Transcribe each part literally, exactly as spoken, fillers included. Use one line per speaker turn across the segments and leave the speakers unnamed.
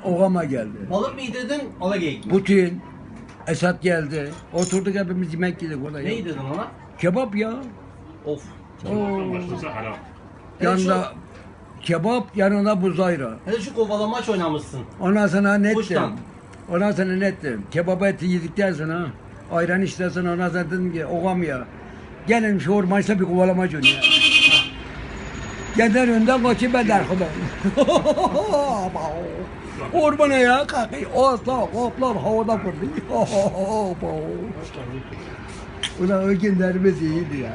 Ogama geldi.
Balık mı yedirdin, alageyik mi?
Putin, Esat geldi. Oturduk hepimiz yemek yedik orada.
Ne
ya.
yedirdin ona?
Kebap ya.
Of.
Oo.
Başlasa haram.
Yanında kebap, yanında buzayra.
Hele şu kovalamaç oynamışsın.
Ondan sonra ne ettim?
Kuştan.
Ondan sonra ne ettim? Kebap eti yedikten sonra ayran içtikten ondan sonra dedim ki ogam ya. Gelin şu ormançta bir kovalamaç oynayalım. Gelen önden kaçayım ben de arkadan. Ormana ya kalkıyor. Asla hoplar havada fırlıyor. Ulan o günlerimiz iyiydi ya.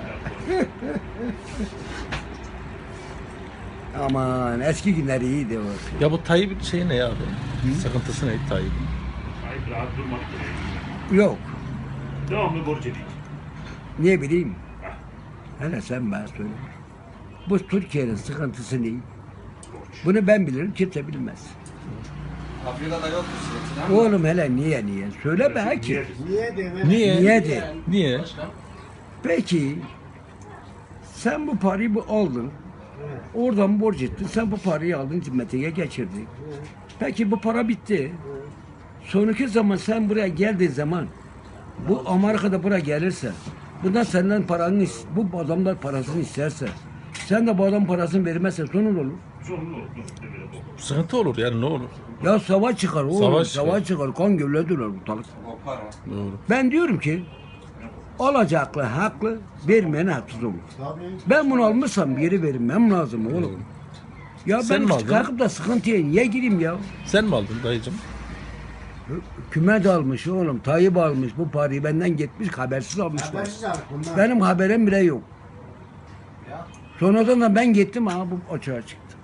Aman eski günler iyiydi o.
Ya bu Tayyip'in şeyi ne ya abi? Sıkıntısı ne Tayyip'in?
Sahip rahat durmak gerekiyor.
Yok.
Devamlı borç edeyim.
Ne bileyim. Hele sen bana söyle. Bu Türkiye'nin sıkıntısı ne? Bunu ben bilirim, kimse bilmez.
Afrika'da yok bir şey.
Oğlum hele niye niye? Söyle be ki.
Niye?
Niye?
Niye de?
Niye?
Peki sen bu parayı bu aldın. Oradan borç ettin. Sen bu parayı aldın cimmetiye geçirdin. Peki bu para bitti. Sonraki zaman sen buraya geldiğin zaman bu Amerika'da buraya gelirse bundan senden paranı is- bu adamlar parasını isterse sen de bu adam parasını vermezsen sonun olur.
Zorunlu olur. Böyle olur.
Sıkıntı olur yani ne olur?
Ya savaş çıkar oğlum.
Savaş
Savaş,
çıkar.
çıkar. Kan gövledir ortalık.
Kopar o.
Doğru.
Ben diyorum ki alacaklı haklı, vermeyen haksız olur. Ben bunu almışsam geri vermem lazım oğlum. Ya
Sen mi
ben
aldın?
kalkıp da sıkıntıya niye gireyim ya?
Sen mi aldın dayıcım?
Küme de almış oğlum, Tayyip almış bu parayı benden gitmiş habersiz almışlar.
Habersiz aldık bunlar.
Benim haberim bile yok. Sonradan da ben gittim ha bu açığa çıktı.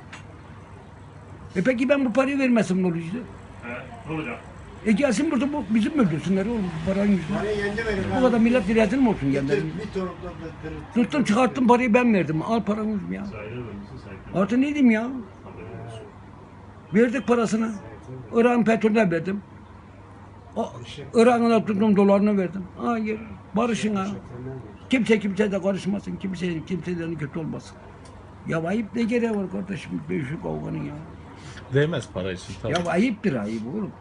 E peki ben bu parayı vermesem ne olacak?
He, ne olacak?
E gelsin burada bu bizim öldürsünler oğlum bu paranın yüzünden.
Parayı yendi verin.
Bu kadar millet rezil mi olsun
Bir
kendileri?
bir torukla
Tuttum çıkarttım parayı ben verdim. Al paranız ya.
Sahibi vermişsin sahipleri.
Artı ne diyeyim ya?
Haberin olsun.
Verdik parasını. Irak'ın petrolüne verdim. O Irak'ın da tuttum dolarını verdim. Hayır. Barışın ha. Kimse kimse de karışmasın. Kimse kimselerin kötü olmasın. Ya ayıp ne gereği var kardeşim? Bir şu kavganın ya.
Değmez para için tabii.
Ya ayıptır ayıp oğlum.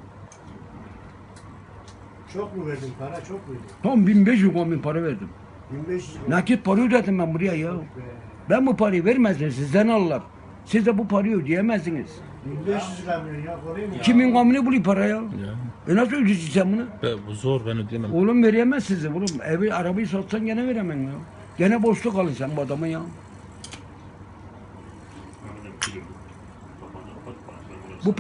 Çok mu verdin para? Çok muydu?
Tam bin beş yüz on bin para verdim.
bin beş yüz.
Nakit para ödedim ben buraya ya. Ben bu parayı vermezsem sizden alırlar. Siz de bu parayı ödeyemezsiniz.
bin beş yüz lira veriyorsun ya. Koruyor mu?
Kimin gamını buluyor para ya?
Ya.
E nasıl ödeyeceksin sen bunu?
Be, bu zor ben ödeyemem.
Oğlum veremez sizi oğlum. Evi, arabayı satsan gene veremem ya. Gene boşluk alın sen bu adamı ya.